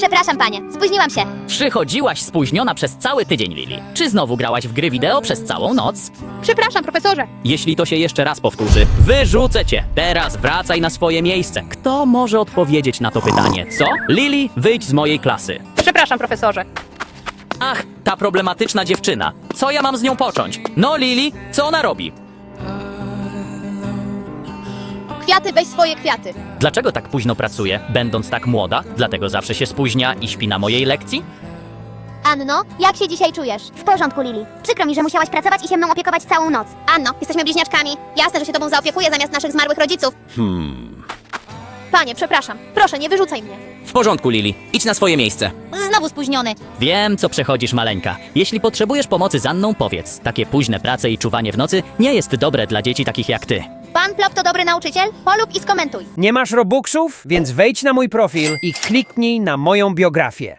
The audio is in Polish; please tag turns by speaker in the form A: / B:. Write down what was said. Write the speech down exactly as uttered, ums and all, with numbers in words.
A: Przepraszam, panie. Spóźniłam się.
B: Przychodziłaś spóźniona przez cały tydzień, Lili. Czy znowu grałaś w gry wideo przez całą noc?
C: Przepraszam, profesorze.
B: Jeśli to się jeszcze raz powtórzy, wyrzucę cię. Teraz wracaj na swoje miejsce. Kto może odpowiedzieć na to pytanie, co? Lili, wyjdź z mojej klasy.
C: Przepraszam, profesorze.
B: Ach, ta problematyczna dziewczyna. Co ja mam z nią począć? No, Lili, co ona robi?
A: Kwiaty, weź swoje kwiaty.
B: Dlaczego tak późno pracuje, będąc tak młoda? Dlatego zawsze się spóźnia i śpi na mojej lekcji?
A: Anno, jak się dzisiaj czujesz? W porządku, Lili. Przykro mi, że musiałaś pracować i się mną opiekować całą noc. Anno, jesteśmy bliźniaczkami. Jasne, że się tobą zaopiekuję zamiast naszych zmarłych rodziców.
B: Hmm.
A: Panie, przepraszam. Proszę, nie wyrzucaj mnie.
B: W porządku, Lili. Idź na swoje miejsce.
A: Znowu spóźniony.
B: Wiem, co przechodzisz, maleńka. Jeśli potrzebujesz pomocy z Anną, powiedz. Takie późne prace i czuwanie w nocy nie jest dobre dla dzieci takich jak ty.
A: Pan Plop to dobry nauczyciel? Polub i skomentuj.
D: Nie masz robuxów? Więc wejdź na mój profil i kliknij na moją biografię.